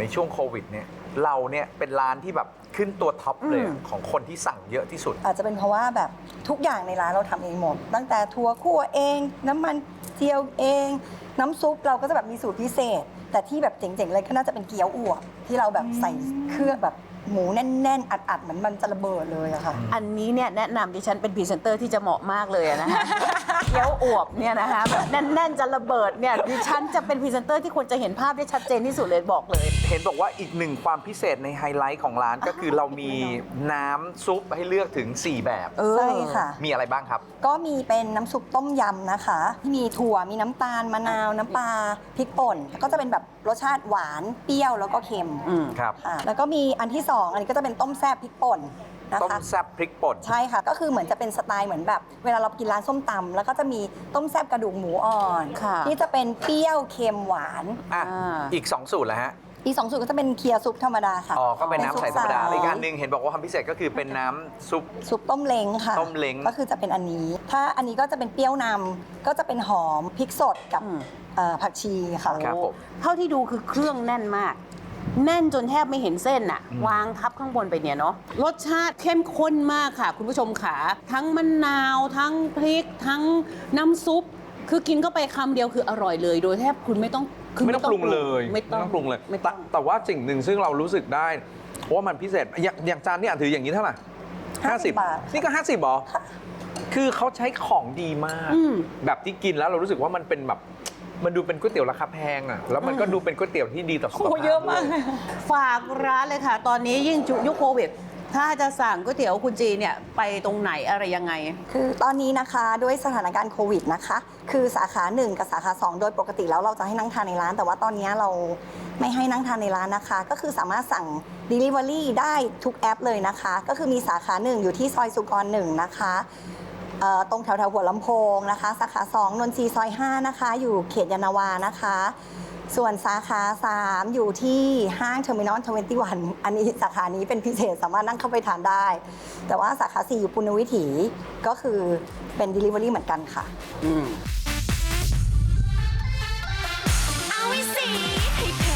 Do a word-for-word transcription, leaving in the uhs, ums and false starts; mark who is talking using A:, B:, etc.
A: ช่วงโควิดเนี่ยเราเนี่ยเป็นร้านที่แบบขึ้นตัวท็อปเลยของคนที่สั่งเยอะที่สุด
B: อาจจะเป็นเพราะว่าแบบทุกอย่างในร้านเราทำเองหมด ตั้งแต่ถั่วคั่วเอง น้ำมันเจียวเอง น้ำซุปเราก็จะแบบมีสูตรพิเศษ แต่ที่แบบเจ๋งๆเลยก็น่าจะเป็นเกี๊ยวอั่วที่เราแบบใส่เครื่องแบบหมูแน่นๆอัดๆเหมือนมันจะระเบิดเลยอะค่ะ
C: อันนี้เนี่ยแนะนำดิฉันเป็นพรีเซนเตอร์ที่จะเหมาะมากเลยนะคะ เกี๊ยวอวบเนี่ยนะคะแบบแน่นๆจะระเบิดเนี่ยดิฉันจะเป็นพรีเซนเตอร์ที่ควรจะเห็นภาพได้ชัดเจนที่สุดเลยบอกเลย
A: เห็นบอกว่าอีกหนึ่งความพิเศษในไฮไลท์ของร้านก็คือเรามีน้ำซุปให้เลือกถึงสี่แบบ
B: ใช่ค่ะ
A: มีอะไรบ้างครับ
B: ก็มีเป็นน้ำซุปต้มยำนะคะที่มีถั่วมีน้ำตาลมะนาวน้ำปลาพริกป่นก็จะเป็นแบบรสชาติหวานเปรี้ยวแล้วก็เค็ม
A: ครับ
B: ค่ะแล้วก็มีอันที่สองอันนี้ก็จะเป็นต้มแซ่บพริกป่นนะ
A: ต้ม
B: คะ
A: แซ่บพริกป่น
B: ใช่ค่ะก็คือเหมือนจะเป็นสไตล์เหมือนแบบ เวลาเรากินร้านส้มตำแล้วก็จะมีต้มแซ่บกระดูกหมูอ่อน
C: ค่ะ
B: ที่จะเป็นเปรี้ยวเค็มหวาน
A: อ่ะ
C: อ่า
A: อีกสองสูตรแล้วฮะ
B: อีกสองสูตรก็จะเป็นเคียวซุปธรรมดาค่ะ
A: อ๋อก็เป็นน้ำใสธรรมดา
B: ซุป
A: อีก
B: ใส
A: อันหนึงเห็นบอกว่าความพิเศษก็คือเป็นน้ำซุป
B: ซุปต้มเล้งค่ะ
A: ต้มเล้ง
B: ก็คือจะเป็นอันนี้ ถ้าอันนี้ก็จะเป็นเปรี้ยวนำก็จะเป็นหอมพริกสดกับ
C: อืม
B: เอ่อผักชีค่ะ
A: ครับผม
C: เท่าที่ดูคือเครื่องแน่นมาก แน่นจนแทบไม่เห็นเส้นอะวางทับข้างบนไปเนี่ยเนาะรสชาติเข้มข้นมากค่ะ คุณผู้ชมขาทั้งมะนาว ทั้งพริก ทั้งน้ำซุป คือกินเข้าไปคำเดียวคืออร่อยเลย โดยแทบคุณไม่ต้องคื
D: ไม่ต้องปรุงเลย
C: ไม่ต้อง
D: ปรุงเลย
C: ไม่
D: แต่
C: ต้อง
D: แต่ว่าสิ่งหนึ่งซึ่งเรารู้สึกได้ว่ามันพิเศษอย่างอย่างจานนี่อ่ะถืออย่างนี้เท่าไหร่
B: ห้าสิบบาท
D: นี่ก็ห้าสิบหรอคือเขาใช้ของดีมาก
C: อืม
D: แบบที่กินแล้วเรารู้สึกว่ามันเป็นแบบมันดูเป็นก๋วยเตี๋ยวราคาแพงอ่ะแล้วมันก็ดูเป็นก๋วยเตี๋ยวที่ดีต่อสุขภาพด้วย
C: ฝากร้านเลยค่ะ ตอนนี้ยิ่งยุคโควิด ถ้าจะสั่งก๋วยเตี๋ยวคุณจีเนี่ยไปตรงไหนอะไรยังไง
B: คือตอนนี้นะคะด้วยสถานการณ์โควิดนะคะ คือสาขาหนึ่งกับสาขาสองโดยปกติแล้วเราจะให้นั่งทานในร้าน แต่ว่าตอนนี้เราไม่ให้นั่งทานในร้านนะคะ ก็คือสามารถสั่ง Delivery ได้ทุกแอปเลยนะคะ ก็คือมีสาขาหนึ่งอยู่ที่ซอยสุกรหนึ่งนะคะเอ่อตรงแถวแถวๆหัวลำโพงนะคะ สาขาสองนนทรีย์ซอยห้านะคะ อยู่เขตยานนาวานะคะ ส่วนสาขาสามอยู่ที่ห้างเทอร์มินอลทเวนตี้วัน อันนี้สาขานี้เป็นพิเศษสามารถนั่งเข้าไปทานได้ แต่ว่าสาขาสี่อยู่ปุณณวิถีก็คือเป็น Delivery เหมือนกันค่ะ
C: อืม
E: เอาไว้สิให้เพ